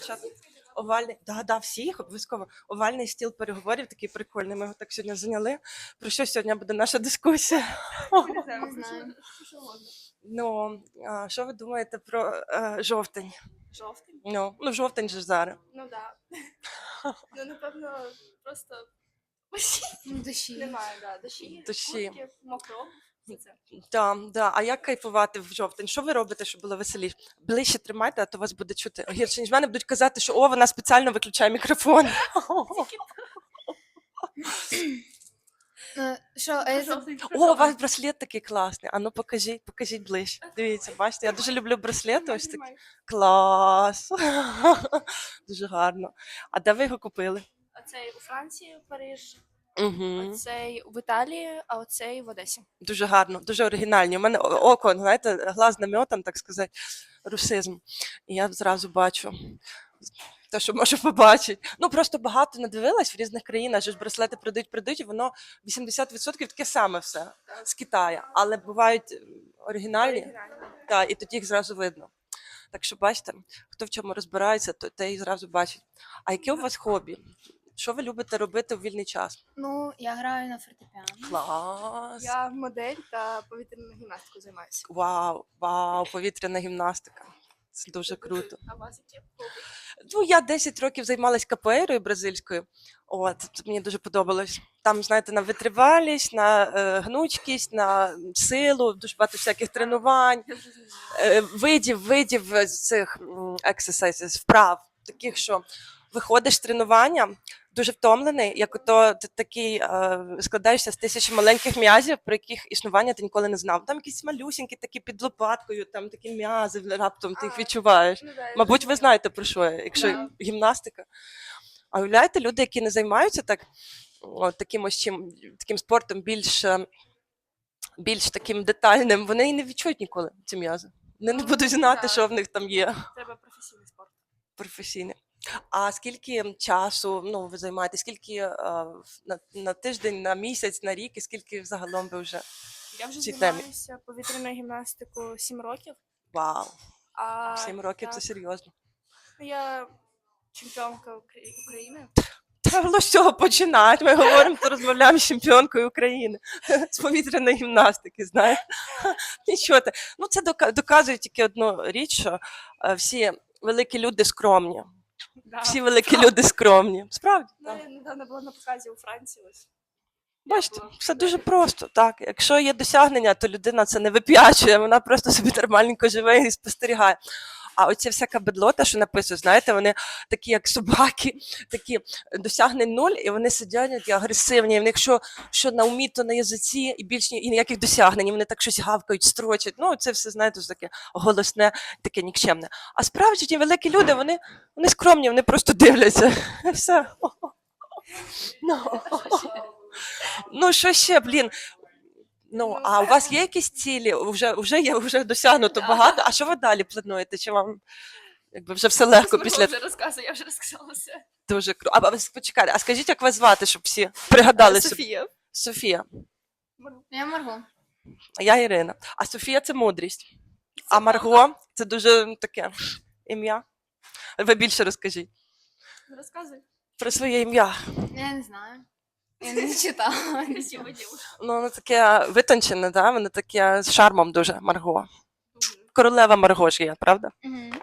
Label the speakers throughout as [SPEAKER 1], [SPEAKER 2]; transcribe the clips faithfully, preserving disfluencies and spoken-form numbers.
[SPEAKER 1] Що там? Овальний, да, да, всіх обов'язково. Овальний стіл переговорів такий прикольний. Ми його так сьогодні зайняли. Про що сьогодні буде наша дискусія?
[SPEAKER 2] Не знаю.
[SPEAKER 1] Ну, а, що ви думаєте про е, жовтень?
[SPEAKER 2] Жовтень?
[SPEAKER 1] Ну, ну, жовтень же ж зараз.
[SPEAKER 2] Ну да. Ну, напевно, просто
[SPEAKER 3] Ну, дощі.
[SPEAKER 2] немає, да. Дощі,
[SPEAKER 1] Дощі.
[SPEAKER 2] куртки, мокро. Все це.
[SPEAKER 1] Да, да. А як кайфувати в жовтень? Що ви робите, щоб було веселіше? Ближче тримайте, а то вас буде чути гірше, ніж мене будуть казати, що о, вона спеціально виключає мікрофон.
[SPEAKER 3] Ну, що, а я заб-
[SPEAKER 2] Жовтень,
[SPEAKER 1] О, у вас браслет такий класний. А ну покажіть, покажіть ближче. Дивіться, бачите, я дуже люблю браслети. Ось такі.
[SPEAKER 2] Знімай.
[SPEAKER 1] Клас. Дуже гарно. А де ви його купили?
[SPEAKER 2] Оцей у Франції, Париж,
[SPEAKER 1] Угу.
[SPEAKER 2] оцей в Італії, а оцей в Одесі.
[SPEAKER 1] Дуже гарно, дуже оригінальні. У мене о- око, знаєте, глаз наметан, так сказати, русизм. І я зразу бачу те, що можу побачити. Ну, просто багато надивилась в різних країнах, що ж браслети продають, продають, і воно вісімдесят відсотків таке саме все з Китаю. Але бувають е, оригінальні,
[SPEAKER 2] Оригінально.
[SPEAKER 1] та, і тоді їх зразу видно. Так що бачите, хто в чому розбирається, то те і зразу бачить. А яке у вас хобі? Що ви любите робити у вільний час?
[SPEAKER 3] ну, я граю на фортепіано.
[SPEAKER 1] Клас!
[SPEAKER 2] Я модель та повітряну гімнастику займаюся.
[SPEAKER 1] Вау, вау, повітряна гімнастика. Це дуже круто.
[SPEAKER 2] А у вас які хобі?
[SPEAKER 1] Ну, я десять років займалась капоеирою бразильською. От, це мені дуже подобалось. Там, знаєте, на витривалість, на е, гнучкість, на силу, дуже багато всяких тренувань,
[SPEAKER 2] Я вже знаю.
[SPEAKER 1] е, видів, видів е, цих м, exercises, вправ, таких, що виходиш з тренування, дуже втомлений, як ото ти такий е, складаєшся з тисячі маленьких м'язів, про яких існування ти ніколи не знав. Там якісь малюсінькі, такі під лопаткою, там такі м'язи, раптом ти їх
[SPEAKER 2] А,
[SPEAKER 1] відчуваєш.
[SPEAKER 2] Ну, да, я
[SPEAKER 1] Мабуть,
[SPEAKER 2] вже
[SPEAKER 1] ви
[SPEAKER 2] знаю.
[SPEAKER 1] знаєте, про що я, якщо
[SPEAKER 2] Да.
[SPEAKER 1] гімнастика. А уявляєте, люди, які не займаються так, от, таким, ось чим, таким спортом більш, е, більш таким детальним, вони і не відчують ніколи ці м'язи. Вони не
[SPEAKER 2] Ну,
[SPEAKER 1] будуть знати,
[SPEAKER 2] да.
[SPEAKER 1] що в них там є
[SPEAKER 2] Треба професійний спорт.
[SPEAKER 1] професійне. А скільки часу ну, ви займаєтесь? Скільки е, на, на тиждень, на місяць, на рік, і скільки взагалом ви вже?
[SPEAKER 2] Я вже
[SPEAKER 1] Цій темі.
[SPEAKER 2] займаюся повітряною гімнастикою сім років.
[SPEAKER 1] Вау,
[SPEAKER 2] А
[SPEAKER 1] сім років це
[SPEAKER 2] так,
[SPEAKER 1] серйозно.
[SPEAKER 2] я чемпіонка Укра- України.
[SPEAKER 1] Та було з цього починати. Ми говоримо, то розмовляємо з чемпіонкою України з повітряної гімнастики, знаєте. Нічого. те. Ну, це дока- доказує тільки одну річ, що е, всі великі люди скромні.
[SPEAKER 2] Да.
[SPEAKER 1] Всі великі люди скромні. Справді.
[SPEAKER 2] Ну,
[SPEAKER 1] так.
[SPEAKER 2] я недавно була на показі у Франції. Ось.
[SPEAKER 1] Бачите,
[SPEAKER 2] була
[SPEAKER 1] все
[SPEAKER 2] в
[SPEAKER 1] дуже
[SPEAKER 2] Італії.
[SPEAKER 1] просто. Так, якщо є досягнення, то людина це не вип'ячує, вона просто собі нормальненько живе і спостерігає. А оця всяка бедлота, що написує, знаєте, вони такі, як собаки, такі досягнень нуль, і вони сидять такі агресивні. І в них що, що на умі, то на язиці, і більш ні- і ніяких досягнень. І вони так щось гавкають, строчать. Ну, це все, знаєте, таке голосне, таке нікчемне. А справді ті великі люди, вони, вони скромні, вони просто дивляться. І все. Ну. Ну, що ще, блін? Ну, а у вас є якісь цілі? Вже, вже є, вже досягнуто
[SPEAKER 2] Да.
[SPEAKER 1] багато. А що ви далі плануєте? Чи вам якби вже все легко
[SPEAKER 2] Смирнов
[SPEAKER 1] після
[SPEAKER 2] вже розказує, я вже розказала все.
[SPEAKER 1] дуже круто? А, а ви почекайте, а скажіть, як вас звати, щоб всі пригадали собі?
[SPEAKER 2] Софія.
[SPEAKER 1] Софія.
[SPEAKER 3] Я Марго.
[SPEAKER 1] А я Ірина. А Софія це мудрість. А Марго це дуже таке ім'я. Ви більше розкажіть
[SPEAKER 2] Розказуй.
[SPEAKER 1] про своє ім'я.
[SPEAKER 3] Я не знаю. Я не читала.
[SPEAKER 2] Красива дівчина.
[SPEAKER 1] Ну, воно таке витончене, да? Воно таке з шармом дуже Марго. Королева Марго ж є, правда?
[SPEAKER 3] Мгм.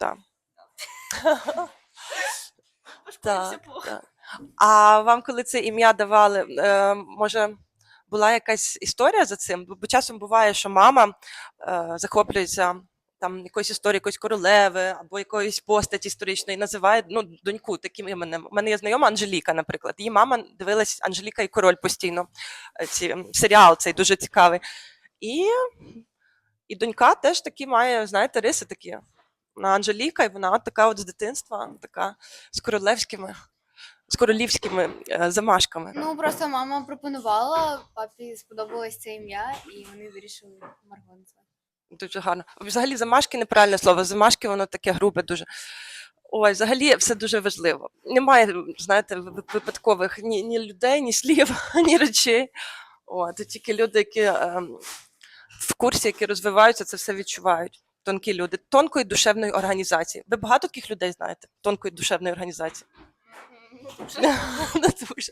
[SPEAKER 2] Пошкодився плохо.
[SPEAKER 1] так. А вам, коли це ім'я давали, е, може, була якась історія за цим? Бо часом буває, що мама е, захоплюється там якоюсь історією якоїсь королеви або якоїсь постаті історичної, називає ну, доньку таким іменем. У мене є знайома Анжеліка, наприклад. Її мама дивилась Анжеліка і король постійно. е, Ці, м, серіал цей дуже цікавий. І, і донька теж такі має, знаєте, риси такі. Вона Анжеліка, і вона от така от з дитинства, така з королевськими, з королівськими е, замашками.
[SPEAKER 3] Ну, просто мама пропонувала, папі сподобалось це ім'я, і вони вирішили Марго назвати.
[SPEAKER 1] Дуже гарно. Взагалі, замашки неправильне слово. Замашки воно таке грубе дуже. Ой, взагалі все дуже важливо. Немає, знаєте, ви- випадкових ні, ні людей, ні слів, ні речей. О, це тільки люди, які ем, в курсі, які розвиваються, це все відчувають. тонкі люди, тонкої душевної організації. Ви багато таких людей знаєте? Тонкої душевної організації. Не дуже.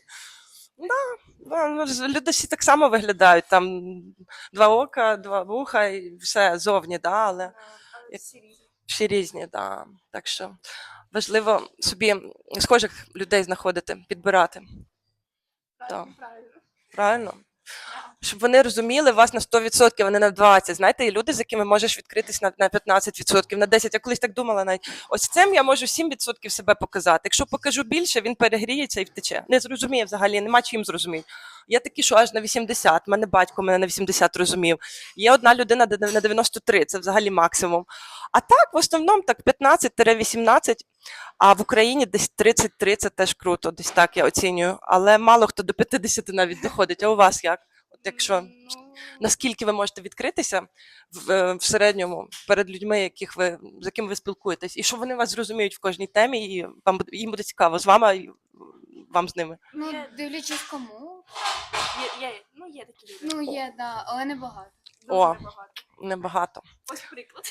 [SPEAKER 1] Да, ну, ж люди всі так само виглядають. Там два ока, два вуха і все зовні, да, але
[SPEAKER 2] Але всі різні.
[SPEAKER 1] всі різні, да. Так що важливо собі схожих людей знаходити, підбирати.
[SPEAKER 2] Правильно, правильно.
[SPEAKER 1] Правильно? Щоб вони розуміли вас на сто відсотків, а не на двадцять відсотків. Знаєте, є люди, з якими можеш відкритись на, на п'ятнадцять відсотків, на десять відсотків. Я колись так думала навіть. Ось цим я можу сім відсотків себе показати. Якщо покажу більше, він перегріється і втече. Не зрозуміє взагалі, нема чим зрозуміти. Є такі, що аж на вісімдесят. Мене батько мене на вісімдесят розумів. Є одна людина де- на дев'яносто три, це взагалі максимум. А так, в основному, так п'ятнадцять вісімнадцять, а в Україні десь тридцять три, це теж круто, десь так я оцінюю. Але мало хто до п'ятдесят навіть доходить. А у вас як? От якщо
[SPEAKER 2] Ну,
[SPEAKER 1] наскільки ви можете відкритися в, е, в середньому перед людьми, яких ви, з якими ви спілкуєтесь, і що вони вас зрозуміють в кожній темі, і вам буде- їм буде цікаво з вами, і вам з ними.
[SPEAKER 3] Ну,
[SPEAKER 2] Є-
[SPEAKER 3] дивлячись кому.
[SPEAKER 2] Є, є, ну, є такі люди.
[SPEAKER 3] Ну, є, да, але не багато.
[SPEAKER 2] Дуже
[SPEAKER 1] О.
[SPEAKER 2] небагато.
[SPEAKER 1] Небагато.
[SPEAKER 2] Ось приклад.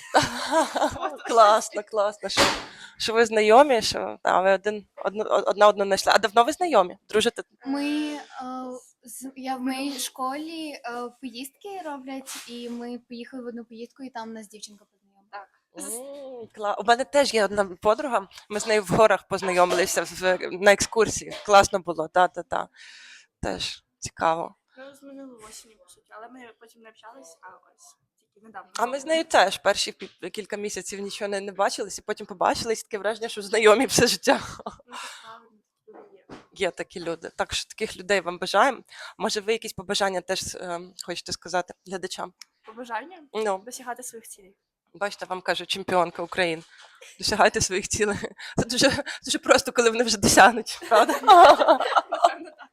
[SPEAKER 1] Класно, класно, що, що ви знайомі, що та, ви один, одну, одна одну знайшли. А давно ви знайомі? Дружите?
[SPEAKER 3] Ми, е, з- я в моїй школі е, поїздки роблять, і ми поїхали в одну поїздку, і там нас дівчинка познайомила.
[SPEAKER 2] Так.
[SPEAKER 1] М, кла- У мене теж є одна подруга, ми з нею в горах познайомилися в, на екскурсії. Класно було, та-та-та. Теж цікаво.
[SPEAKER 2] Ну, з минулої осені, по суті, але ми потім не общались, а ось тільки недавно.
[SPEAKER 1] А ми з нею теж перші пі- кілька місяців нічого не, не бачились, і потім побачились, таке враження, що знайомі все життя.
[SPEAKER 2] Ну, це правильно, такі люди є.
[SPEAKER 1] Є такі люди. Так що таких людей вам бажаємо. Може, ви якісь побажання теж е, хочете сказати глядачам?
[SPEAKER 2] Побажання
[SPEAKER 1] Ну,
[SPEAKER 2] досягати своїх цілей.
[SPEAKER 1] бачите, вам кажу, чемпіонка України. Досягайте своїх цілей. Це дуже, дуже просто, коли вони вже досягнуть, правда?
[SPEAKER 2] Напевно, так.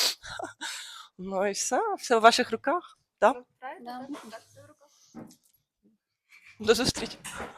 [SPEAKER 1] Ну і все, все в ваших руках.
[SPEAKER 2] Ну, правильно?
[SPEAKER 3] Да.
[SPEAKER 2] Так, так, все в руках.
[SPEAKER 1] До зустрічі.